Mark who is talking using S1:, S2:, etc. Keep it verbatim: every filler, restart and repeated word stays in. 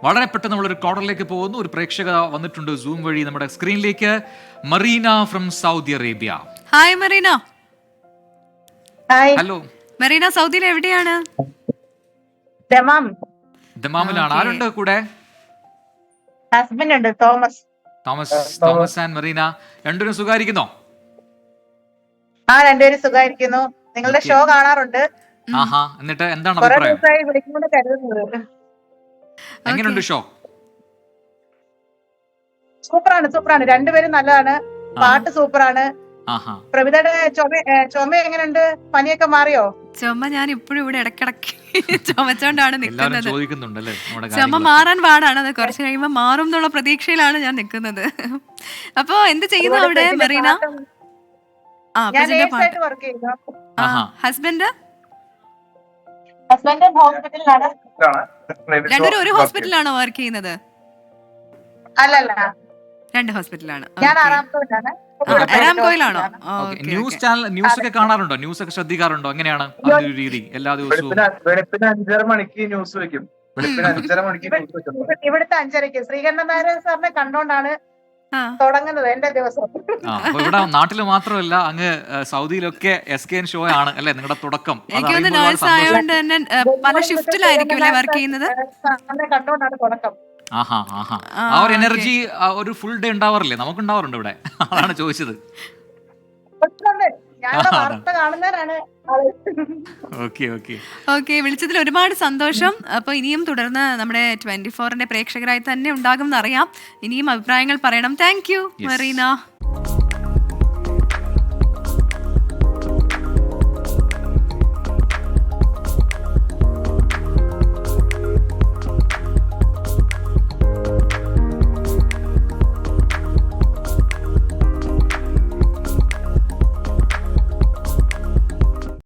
S1: വളരെ പെട്ടെന്ന് നമ്മളൊരു കോർണറിലേക്ക് പോകുന്നു. ഒരു പ്രേക്ഷക വന്നിട്ടുണ്ട് സൂം വഴി നമ്മുടെ സ്ക്രീനിലേക്ക്. Marina from Saudi Arabia.
S2: Hi Marina.
S3: Hi.
S1: Hello.
S2: Marina സൗദിയിൽ എവിടെയാണ്?
S3: ദമാം.
S1: ദമാമിലാണ്. ആരുണ്ട് കൂടെ?
S3: ഹസ്ബൻഡ് ഉണ്ട്, Thomas.
S1: Thomas Thomas and Marina രണ്ടുപേരും സുഖായിരിക്കുന്നോ?
S3: ആ രണ്ടുപേരും സുഖമായിരിക്കുന്നു. നിങ്ങളുടെ ഷോ കാണാറുണ്ട്.
S1: ആഹാ, എന്നിട്ട് എന്താണ്
S3: കുറെ
S1: അഭിപ്രായം?
S3: ദിവസമായി വിളിക്കുമെന്ന് കരുതുന്നത്.
S1: എങ്ങനെയുണ്ട് ഷോ?
S3: സൂപ്പറാണ് സൂപ്പറാണ് രണ്ടുപേരും നല്ലതാണ്. പാട്ട് സൂപ്പറാണ്.
S1: ആഹാ.
S3: പ്രവിതയുടെ ചുമ ഏ, ചുമ എങ്ങനെയുണ്ട്? പനിയൊക്കെ മാറിയോ?
S2: ചുമ ഞാൻ ഇപ്പോഴും ഇവിടെ ഇടക്കിടക്ക് ചുമച്ചോണ്ടാണ്
S1: എല്ലാവരും
S2: നിൽക്കുന്നത്.
S1: ചോദിക്കുന്നുണ്ടല്ലേ നമ്മുടെ
S2: ചുമ
S1: കാര്യങ്ങളൊക്കെ.
S2: മാറാൻ പാടാണ്. അത് കുറച്ച് കഴിയുമ്പോൾ മാറും എന്നുള്ള പ്രതീക്ഷയിലാണ് ഞാൻ നിൽക്കുന്നത്. അപ്പൊ എന്ത് ചെയ്യുന്നു അവിടെ മറീന? ആ
S3: ഞാൻ
S2: പ്രജിന്റെ പാട്ട്.
S3: നേഴ്സായിട്ട് വർക്ക് ചെയ്യുന്നു.
S2: ആ
S1: ആഹാ.
S2: ഹസ്ബൻഡ്
S3: ഹസ്ബൻഡ് ഹോസ്പിറ്റലിലാണ്.
S2: രണ്ടുപേരും ഒരു ഹോസ്പിറ്റലിലാണോ വർക്ക് ചെയ്യുന്നത്?
S3: അല്ലല്ല,
S2: രണ്ട് ഹോസ്പിറ്റലാണ്.
S3: ഞാൻ ആറാമത്തോട്ടാണ്.
S2: അരാംകോയിലാണോ?
S1: ഓക്കേ. ന്യൂസ് ചാനൽ ന്യൂസ് ഒക്കെ കാണാറുണ്ടോ? ന്യൂസ് ഒക്കെ ശ്രദ്ധിക്കാറുണ്ടോ? എങ്ങനെയാണ് അതിന്റെ ഒരു രീതി? എല്ലാ ദിവസവും
S4: വെളുപ്പിന് വെളുപ്പിന് അഞ്ചര മണിക്ക് ന്യൂസ് വെക്കും. വെളുപ്പിന് അഞ്ചര മണിക്ക് ന്യൂസ് വെക്കും.
S3: ഇവ- ഇവിടുത്തെ അഞ്ചരയ്ക്ക് ശ്രീകണ്ഠൻ നായർ സാറിനെ കണ്ടോണ്ടാണ്
S2: ആ
S3: തുടങ്ങുന്നത് എന്റെ ദിവസം.
S1: ആ, അപ്പൊ ഇവിടെ നാട്ടില് മാത്രമല്ല അങ്ങ് ഏഹ്, സൗദിയിലൊക്കെ എസ് കെ എൻ ഷോ ആണ് അല്ലേ നിങ്ങളുടെ തുടക്കം? അത്
S2: എനിക്ക് തോന്നുന്നു
S1: അറിയുമ്പോൾ ഒരുപാട്
S2: നേഴ്സ്
S1: സന്തോഷം.
S2: ആയതുകൊണ്ട് തന്നെ ഏ, പല ഷിഫ്റ്റിലായിരിക്കും അല്ലേ വർക്ക് ചെയ്യുന്നത്?
S3: സാറിനെ കണ്ടോണ്ടാണ് തുടക്കം.
S1: ആഹാ ആഹാ
S2: ആ,
S1: ആ ഒരു
S2: ഓക്കേ.
S1: എനർജി ഒരു ഫുൾ ഡേ ഉണ്ടാവാറില്ലേ? നമുക്ക് ഉണ്ടാവാറുണ്ട് ഇവിടെ. അതാണ് ചോദിച്ചത്.
S3: പ്രശ്നമുണ്ട്. ഞാനിവിടെ
S1: ആ,
S3: വാർത്ത കാണുന്നവരാണ് ആള്.
S1: ഓക്കെ ഓക്കെ
S2: ഓക്കെ, വിളിച്ചതിൽ ഒരുപാട് സന്തോഷം. അപ്പോൾ ഇനിയും തുടർന്ന് നമ്മുടെ ട്വന്റി ഫോറിന്റെ പ്രേക്ഷകരായി തന്നെ ഉണ്ടാകും എന്നറിയാം. ഇനിയും അഭിപ്രായങ്ങൾ പറയണം. Thank you
S1: Yes.
S2: മറീന.